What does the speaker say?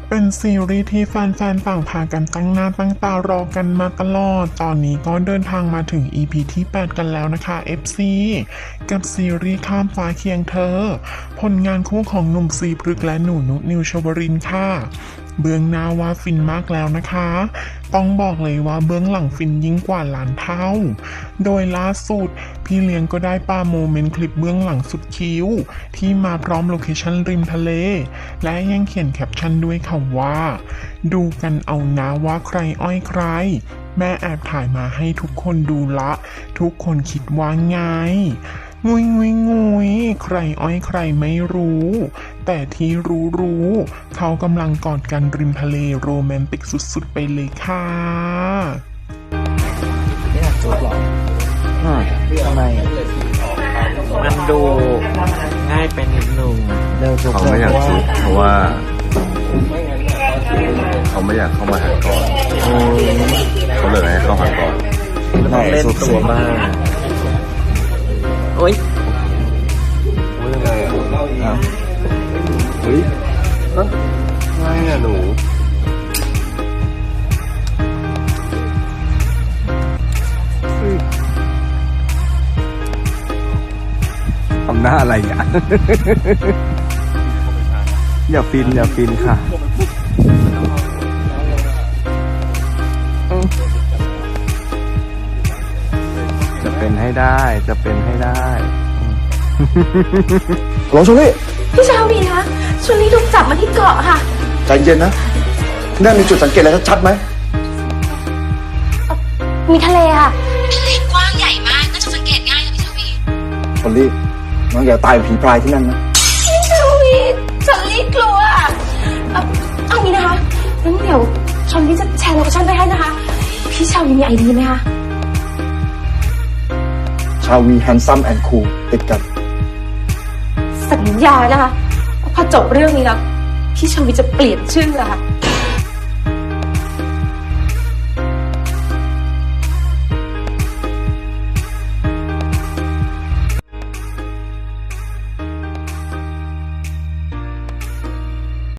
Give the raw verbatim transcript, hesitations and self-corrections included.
เป็นซีรีส์ที่แฟนๆต่างพากันตั้งหน้าตั้งตารอกันมาตลอด ตอนนี้ก็เดินทางมาถึง อี พี ที่ แปด กันแล้วนะคะ เอฟ ซี กับซีรีส์ข้ามฟ้าเคียงเธอ ผลงานคู่ของหนุ่มซีพฤกษ์และหนูนุนิวชวรินทร์ค่ะ เบื้องหน้าว่าฟินมากแล้วนะคะ ต้องบอกเลยว่าเบื้องหลังฟินยิ่งกว่าล้านเท่า โดยล่าสุดพี่เลี้ยงก็ได้ปาโมเมนต์คลิปเบื้องหลังสุดคิ้ว ที่มาพร้อมโลเคชั่นริมทะเล และยังเขียนแคปชั่นด้วยค่ะว่า ดูกันเอานะว่าใครอ้อยใคร แม่แอบถ่ายมาให้ทุกคนดูละ ทุกคนคิดว่าไง งุยงุยงุยใครอ้อยใครไม่รู้ แต่ที่รู้รู้เขากำลังกอดกันริมทะเลโรแมนติกสุดๆไปเลยค่ะไม่อยากจุ๊บหรออืมทำไมมันดูง่ายไปนิดนึงเร็วจุ๊บเขาไม่อยากซุกเพราะว่าเขาไม่อยากเข้ามาหาก่อนเขาเลยให้เข้าหาก่อนแล้วต้องเล่นตัวบ้างโอ๊ยเรื่องอะไรอ่ะเฮ้ยฮะไงอ่ะหนูเฮ้ยทำหน้าอะไรอ่ะ อย่าฟินอย่าฟินค่ะจะเป็นให้ได้จะเป็นให้ได้หลงชลี่พี่ชาวีคะชวนลี่ถูกจับมาที่เกาะค่ะใจเย็นนะนั่นมีจุดสังเกตอะไรชัดๆไหมมีทะเลค่ะทะเลกว้างใหญ่มากน่าจะสังเกตง่ายค่ะพี่ชาวีชลี่น้องอย่าตายเป็นผีพรายที่นั่นนะพี่ชาวีชวนลี่กลัวเอาเอางี้นะคะงั้นเดี๋ยวชวนลี่จะแชร์โลเคชั่นไปให้นะคะ พี่ชาวีมีไอเดียไหมคะชาวีแฮนซัมแอนด์คูลติดกันสัญญานะคะว่าพอจบเรื่องนี้แล้วพี่ชาวีจะเปลี่ยนชื่ออะค่ะ